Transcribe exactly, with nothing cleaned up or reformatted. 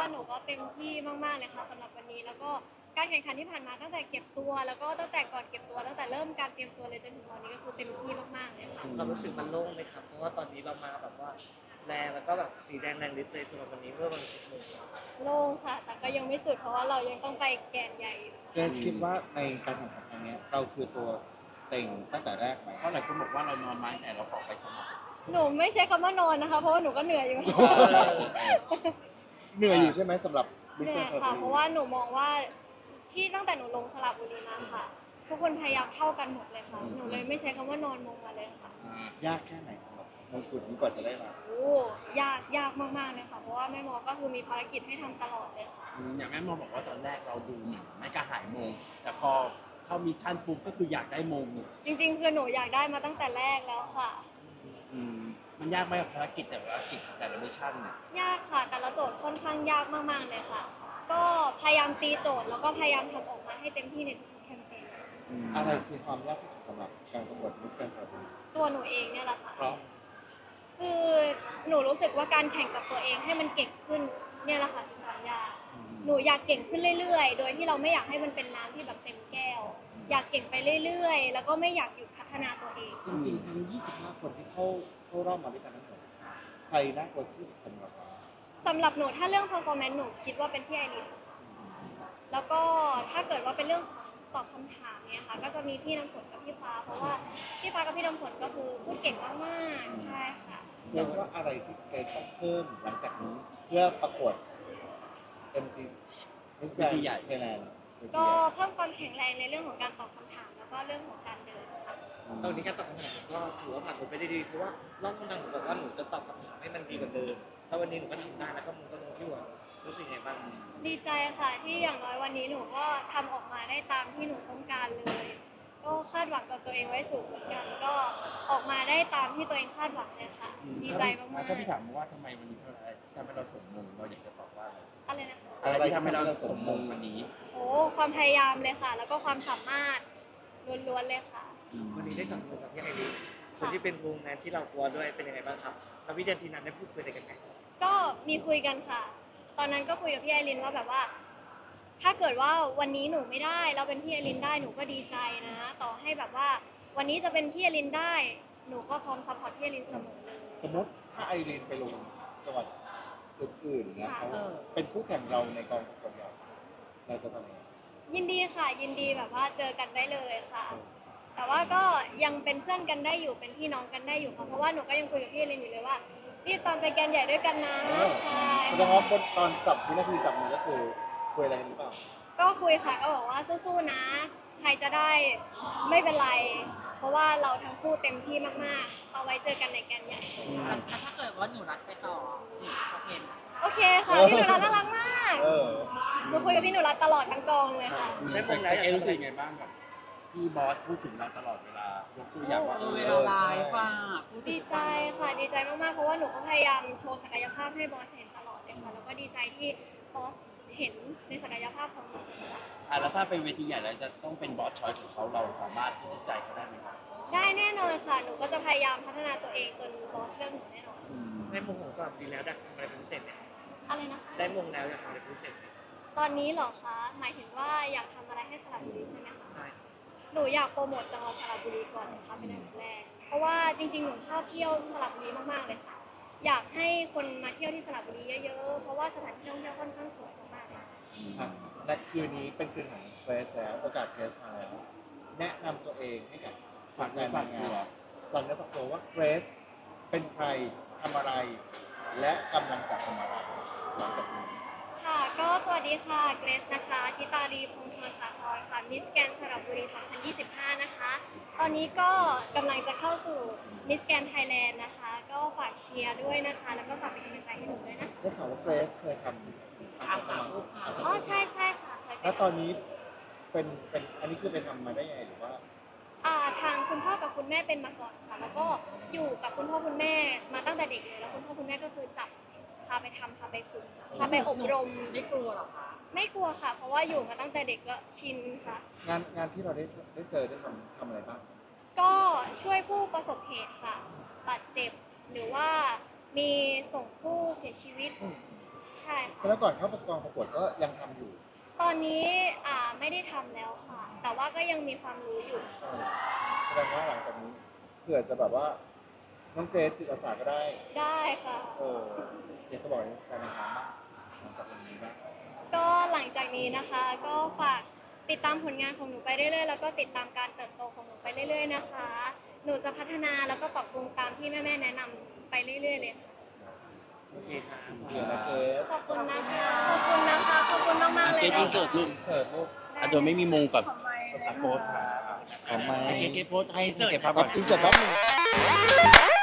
หนูก็เต็มที่มากๆเลยค่ะสำหรับวันนี้แล้วก็การแข่งขันที่ผ่านมาตั้งแต่เก็บตัวแล้วก็ตั้งแต่ก่อนเก็บตัวตั้งแต่เริ่มการเตรียมตัวเลยจนถึงตอนนี้ก็คือเต็มที่มากๆเลยค่ะความรู้สึกมันโล่งไหมครับเพราะว่าตอนนี้เรามาแบบว่าแรงแล้วก็แบบสีแดงแรงฤทธิ์เลยสำหรับวันนี้เมื่อวันศุกร์โล่งค่ะ แต่ก็ยังไม่สุดเพราะว่าเรายังต้องไปแกนใหญ่อยู่เกรซคิดว่าในการแข่งขันครั้งเนี้ยเราคือตัวเต็งตั้งแต่แรกไหมเพราะหลายคนบอกว่าเรานอนไม้แต่เราออกไปสมัครหนูไม่ใช้คำว่านอนนะคะ เพราะว่าหนูก็เหนื่อยอยู่เหนื่อยอยู่ใช่ไหมสำหรับเหนื่ Miss อย Grand ค่ะ Slam เพราะว่าหนูมองว่าที่ตั้งแต่หนูลงสระบุรีมาค่ะ ทุกคนพยายามเท่ากันหมดเลยค่ะ หนูเลยไม่ใช้คำว่านอนมงมาเลยค่ะยากแค่ไหนสำหรับมงกุฎนี้กว่าจะได้มาโอ้ยากยากมากๆเลยค่ะ เพราะว่าแม่หมอก็คือมีภารกิจให้ทำตลอดเลยค่ะอืมอย่างแม่มอบอกว่าตอนแรกเราดูเหมือนไม่กระหายมงแต่พอเข้ามิชชั่นปุ๊บก็คืออยากได้มงจริงๆคือหนูอยากได้มาตั้งแต่แรกแล้วค่ะอืมมันยากไหมกับภารกิจแต่ละภารกิจแต่ละมิชชั่นเนี่ยยากค่ะ แต่ละโจทย์ค่อนข้างยากมากๆเลยค่ะ ก็พยายามตีโจทย์แล้วก็พยายามทำออกมาให้เต็มที่ในทุกๆแคมเปญอะไรคือความยากที่สุดสำหรับการประกวด Miss Grand Slam ตัวหนูเองเนี่ยแหละค่ะเพราะคือหนูรู้สึกว่าการแข่งกับตัวเองให้มันเก่งขึ้นเนี่ยแหละค่ะคือความยากหนูอยากเก่งขึ้นเรื่อยๆ โดยที่เราไม่อยากให้มันเป็นน้ำที่แบบเต็มแก้ว อยากเก่งไปเรื่อยๆ แล้วก็ไม่อยากหยุดพัฒนาตัวเองจริงๆ ทั้ง ยี่สิบห้า คนที่เข้าเข้ารอบมาด้วยกันทั้งหมดใครน่ากลัวที่สุดสำหรับเราสำหรับหนูถ้าเรื่อง performance หนูคิดว่าเป็นพี่ไอรินแล้วก็ถ้าเกิดว่าเป็นเรื่องของตอบคำถามเนี่ยค่ะก็จะมีพี่น้ำฝนกับพี่ฟ้า เพราะว่าพี่ฟ้ากับพี่น้ำฝนก็คือพูดเก่งมากๆใช่ค่ะเกรซว่าอะไรที่เกรซต้องเพิ่มหลังจากนี้เพื่อประกวด เอ็ม จี Miss Grand Thailand ก็เพิ่มความแข็งแรงในเรื่องของการตอบคำถามแล้วก็เรื่องของการเดินค่ะตอนนี้การตอบคำถามก็ถือว่าผ่านผมไปได้ดีเพราะว่ารอบคำถามหนูบอกว่าหนูจะตอบคำถามให้มันดีกว่าเดิมแล้ววันนี้หนูก็ทำได้แล้วก็มึงก็ลงที่หัวรู้สึกยังไงบ้างดีใจค่ะที่อย่างน้อยวันนี้หนูก็ทำออกมาได้ตามที่หนูต้องการเลย ก็คาดหวังกับตัวเองไว้สูงเหมือนกัน ก็ออกมาได้ตามที่ตัวเองคาดหวังเลยค่ะ ดีใจมากๆถ้าพี่ถามว่าทำไมวันนี้เท่าไหร่ทำให้เราสมมงเราอยากจะตอบว่าอะไรอะไรนะคะอะไรที่ทำให้เราสมมงวันนี้โอ้ความพยายามเลยค่ะ แล้วก็ความสามารถล้วนๆเลยค่ะวันนี้ได้จับมือกับพี่ไอรินคนที่เป็นวงแมนที่เรากลัวด้วยเป็นยังไงบ้างครับแล้ววินาทีนั้นได้พูดคุยอะไรกันไหมก็มีคุยกันค่ะ ตอนนั้นก็คุยกับพี่ไอรินว่าแบบว่า ถ้าเกิดว่าวันนี้หนูไม่ได้เราเป็นพี่ไอรินได้หนูก็ดีใจนะ ต่อให้แบบว่า วันนี้จะเป็นพี่ไอรินได้ หนูก็พร้อมซัพพอร์ตพี่ไอรินเสมอเลยสมมติถ้าไอรีนไปลงจังหวัดอื่นๆเนี่ยค่ะเขาเป็นคู่แข่งเราในกองประกวดใหญ่เราจะทำยังไงยินดีค่ะ ยินดีแบบว่าเจอกันได้เลยค่ะ แต่ว่าก็ยังเป็นเพื่อนกันได้อยู่เป็นพี่น้องกันได้อยู่ค่ะเพราะว่าหนูก็ยังคุยกับพี่ไอรินอยู่เลยว่ารีบตามไปแกนใหญ่ด้วยกันนะเออใช่แสดงว่าบนตอนจับวินาทีจับมือก็คือคุยอะไรกันหรือเปล่าก็คุยค่ะก็บอกว่าสู้ๆนะ ใครจะได้ไม่เป็นไร เพราะว่าเราทั้งคู่เต็มที่มากๆ เอาไว้เจอกันในแกนใหญ่แต่ถ้าเกิดว่าหนูรัดไปต่อโอเคไหมโอเคค่ะพี่หนูรัตน่ารักมากเออหนูคุยกับพี่หนูรัตตลอดทั้งกองเลยค่ะได้มแต่งแล้วแต่เอรู้สึกไงบ้างกับพี่บอสพูดถึงเราตลอดเวลายกตัวอย่างว่าเอเอออเวลาไลฟ์ว่าพูดถึดีงใจค่ะดีใจมากๆ เพราะว่าหนูก็พยายามโชว์ศักยภาพให้บอสเห็นตลอดเลยค่ะ แล้วก็ดีใจที่บอสเห็นในศักยภาพของหนูค่ะอ่ะแล้วถ้าเป็นเวทีใหญ่แล้วจะต้องเป็นบอสชอยของเขาเราสามารถพิจิตใจเขาได้ไหมครับได้แน่นอนค่ะ หนูก็จะพยายามพัฒนาตัวเองจนบอสเลือกหนูแน่นอนได้มงของสลับดีแล้วอยากทำอะไรเป็นพิเศษไหมอะไรนะคะได้มงแล้วอยากทำอะไรเป็นพิเศษไหมตอนนี้เหรอคะ หมายถึงว่าอยากทำอะไรให้สระบุรีใช่ไหมคะได้ครับหนูอยากโปรโมทจังหวัดสระบุรีก่อนนะคะเป็นอันดับแรก เพราะว่าจริงๆ หนูชอบเที่ยวสระบุรีมากๆเลยค่ะ อยากให้คนมาเที่ยวที่สระบุรีเยอะๆ เพราะว่าสถานที่ท่องเที่ยวค่อนข้างสวยมากๆเลยค่ะอ่ะและคืนนี้เป็นคืนของเกรซแล้วโอกาสเกรซมาแล้ว แนะนำตัวเองให้กับแฟนๆนางงามหลังจากสักตัวว่าเกรซเป็นใครทำอะไร และกำลังจะทำอะไรหลังจากนี้ค่ะก็สวัสดีค่ะเกรซนะคะทิตาลีพงษ์ธรรมสาครค่ะมิสแกนสระบุรี สองพันยี่สิบห้า นะคะ ตอนนี้ก็กำลังจะเข้าสู่มิสแกนไทยแลนด์นะคะ ก็ฝากเชียร์ด้วยนะคะ แล้วก็ฝากเป็นกำลังใจให้หนูด้วยนะได้ข่าวว่าเกรซเคยทำอาสาสมัครอาสาสอ๋อมัครใช่ใช่ค่ะเคยไปแล้วตอนนี้เป็นเป็นอันนี้คือไปทำมาได้ยังไงหรือว่าอ่าทางคุณพ่อกับคุณแม่เป็นมาก่อนค่ะ แล้วก็อยู่กับคุณพ่อคุณแม่มาตั้งแต่เด็กเลย แล้วคุณพ่อคุณแม่ก็คือจับพาไปทำพาไปฝึกพาไปอบรมไม่กลัวหรอคะไม่กลัวค่ะ เพราะว่าอยู่มาตั้งแต่เด็กก็ชินค่ะงานงานที่เราได้ได้เจอได้ทำทำอะไรบ้างก็ช่วยผู้ประสบเหตุค่ะบาดเจ็บหรือว่ามีส่งผู้เสียชีวิตอืมใช่แสดงว่าก่อนเข้าประกองประกวดก็ยังทำอยู่ตอนนี้อ่าไม่ได้ทำแล้วค่ะ แต่ว่าก็ยังมีความรู้อยู่เออแสดงว่าหลังจากนี้เผื่อจะแบบว่าน้องเกรซจิตอาสาก็ได้ได้ค่ะเอออยากจะบอกแฟนนางงามบ้างหลังจากวันนี้บ้างก็หลังจากนี้นะคะ ก็ฝากติดตามผลงานของหนูไปเรื่อยๆ แล้วก็ติดตามการเติบโตของหนูไปเรื่อย ๆ นะคะ หนูจะพัฒนาแล้วก็ปรับปรุงตามที่แม่ๆแนะนำไปเรื่อยๆเลยค่ะโอเคครับโอเคนะเกรซขอบคุณนะคะ ขอบคุณนะคะ ขอบคุณมากๆเลยเกตนะอินเสิร์ตลูกเสิร์ฟลูกอ่ะโดยไม่มีมงกับอ่ะโพสต์ของไม้เกตเกตโพสต์ให้เก็บภาพคก่รัอบ นอินเสิร์ตแป๊บหนึง